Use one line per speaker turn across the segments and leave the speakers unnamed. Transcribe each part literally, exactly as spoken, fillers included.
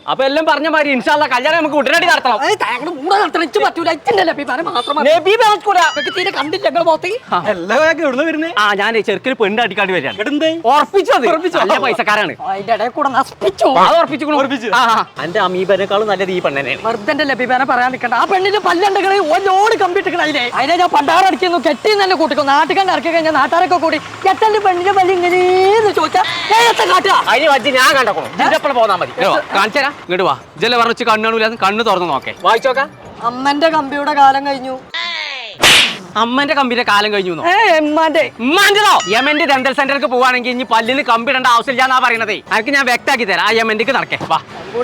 അപ്പൊ എല്ലാം പറഞ്ഞ മാതിരി ഇൻഷാല്ല കല്യാണം നമുക്ക് ഉടനടി നടത്തണം. ആ ഞാൻ ചെറുക്കിന് പെണ്ണ് അടിക്കാണ്ട് വരികയാണ്. ഉറപ്പിച്ചത് നല്ല പൈസക്കാരാണ്. എന്റെ അമീബനേക്കാളും നല്ലത് ഈ പെണ്ണനെ.
വെറുതെ ലഭ്യനെ പറയാൻ നിൽക്കണ്ട. ആ പെണ്ണിന്റെ പല്ലുണ്ടെങ്കിൽ ഒന്നോട് കമ്പിട്ടിക്കണ അതിനെ അതിനെ ഞാൻ പണ്ടാറടിക്കുന്നു കെട്ടി തന്നെ കൂട്ടിക്കും. നാട്ടുകാരുടെ ഇറക്കി കഴിഞ്ഞാൽ നാട്ടുകാരൊക്കെ കൂടി എത്തന്റെ പെണ്ണിന്റെ പല്ല് ഇങ്ങനെയെന്ന് ചോദിച്ചാൽ
അതിന് വജ്ജി ഞാൻ കണ്ടോളൂ. ഇതിന്റെ പോന്നാ മതി. കാണിച്ചു തരാം. ഇങ്ങോട്ട് വാ. ജല പറഞ്ഞു കണ്ണൂല കണ്ണ് തുറന്നു നോക്കേ. വായിച്ചോക്കാം.
അമ്മന്റെ കമ്പിയുടെ കാലം കഴിഞ്ഞു.
അമ്മന്റെ കമ്പിന്റെ കാലം കഴിഞ്ഞു.
എമ്മാന്റെ
ഉമ്മാന്റെതോ? യമന്റെ ഡെന്റൽ സെന്ററിലേക്ക് പോവാണെങ്കിൽ ഇനി പല്ലിന് കമ്പി ഇടേണ്ട ആവശ്യമില്ലാന്നാ പറയണതേ. അതൊക്കെ ഞാൻ വ്യക്താക്കി തരാം. ആ യമന്റെക്ക് നടക്കേ. വാ.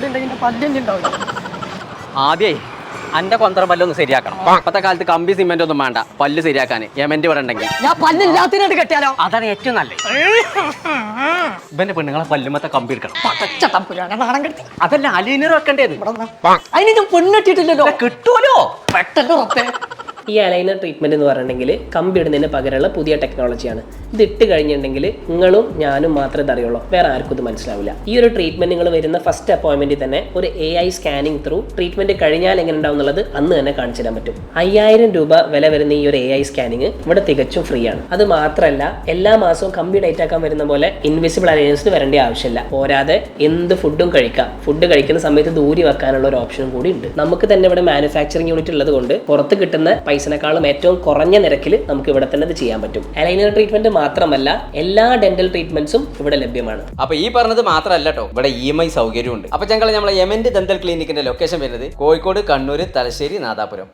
ആദ്യേ അന്റെ കൊന്തറ പല്ലൊന്ന് ശരിയാക്കണം. ഇപ്പത്തെ കാലത്ത് കമ്പി സിമെന്റ് ഒന്നും വേണ്ട പല്ല് ശരിയാക്കാൻ. യമന്റെ ഇവിടെ ഉണ്ടെങ്കിൽ
ഞാൻ പല്ലില്ലാത്തിനോട് കെട്ടിയാലോ?
അതാണ് ഏറ്റവും നല്ലത്. ഇവന്റെ പെണ്ണുങ്ങളെ പല്ലുമത്തെ കമ്പി എടുക്കണം. അതല്ല അലീനർ വെക്കേണ്ടത്.
അതിന് ഞാൻ പെണ്ണെട്ടിട്ടില്ലല്ലോ.
കിട്ടുമല്ലോ
പെട്ടെന്ന് റബ്ബേ.
ഈ അലൈനർ ട്രീറ്റ്മെൻറ്റ് എന്ന് പറഞ്ഞിട്ടുണ്ടെങ്കിൽ കമ്പി ഇടുന്നതിന് പകരമുള്ള പുതിയ ടെക്നോളജിയാണ്. ഇത് ഇട്ട് കഴിഞ്ഞിട്ടുണ്ടെങ്കിൽ നിങ്ങളും ഞാനും മാത്രമേ ഇതറിയുള്ളൂ, വേറെ ആർക്കും ഇത് മനസ്സിലാവില്ല. ഈ ഒരു ട്രീറ്റ്മെൻറ്റ് നിങ്ങൾ വരുന്ന ഫസ്റ്റ് അപ്പോയിൻമെൻറ്റിൽ തന്നെ ഒരു A I scanning through treatment കഴിഞ്ഞാൽ എങ്ങനെ ഉണ്ടാവും എന്നുള്ളത് അന്ന് തന്നെ കാണിച്ചു തരാൻ പറ്റും. അയ്യായിരം രൂപ വില വരുന്ന ഈ ഒരു എ ഐ സ്കാനിങ് ഇവിടെ തികച്ചും ഫ്രീ ആണ്. അത് മാത്രമല്ല എല്ലാ മാസവും കമ്പി ഡേറ്റ് ആക്കാൻ വരുന്ന പോലെ ഇൻവിസിബിൾ അലയൻസിന് വരേണ്ട ആവശ്യമില്ല. പോരാതെ എന്ത് ഫുഡും കഴിക്കാം. ഫുഡ് കഴിക്കുന്ന സമയത്ത് ദൂരി വെക്കാനുള്ള ഒരു ഓപ്ഷനും കൂടി ഉണ്ട്. നമുക്ക് തന്നെ ഇവിടെ മാനുഫാക്ചറിങ് യൂണിറ്റ് ഉള്ളത് കൊണ്ട് പുറത്ത് കിട്ടുന്ന പൈസനേക്കാളും ഏറ്റവും കുറഞ്ഞ നിരക്കിൽ നമുക്ക് ഇവിടെ തന്നെ ഇത് ചെയ്യാൻ പറ്റും. അലൈനർ ട്രീറ്റ്മെന്റ് മാത്രമല്ല എല്ലാ ഡെന്റൽ ട്രീറ്റ്മെന്റ്സും ഇവിടെ ലഭ്യമാണ്.
അപ്പൊ ഈ പറഞ്ഞത് മാത്രമല്ല കേട്ടോ, ഇവിടെ ഇ എം ഐ സൗകര്യമുണ്ട്. അപ്പൊ ഞങ്ങൾ നമ്മളെ യമന്റെ ദന്തൽ ക്ലിനിക്കിന്റെ ലൊക്കേഷൻ വരുന്നത് കോഴിക്കോട്, കണ്ണൂർ, തലശ്ശേരി, നാദാപുരം.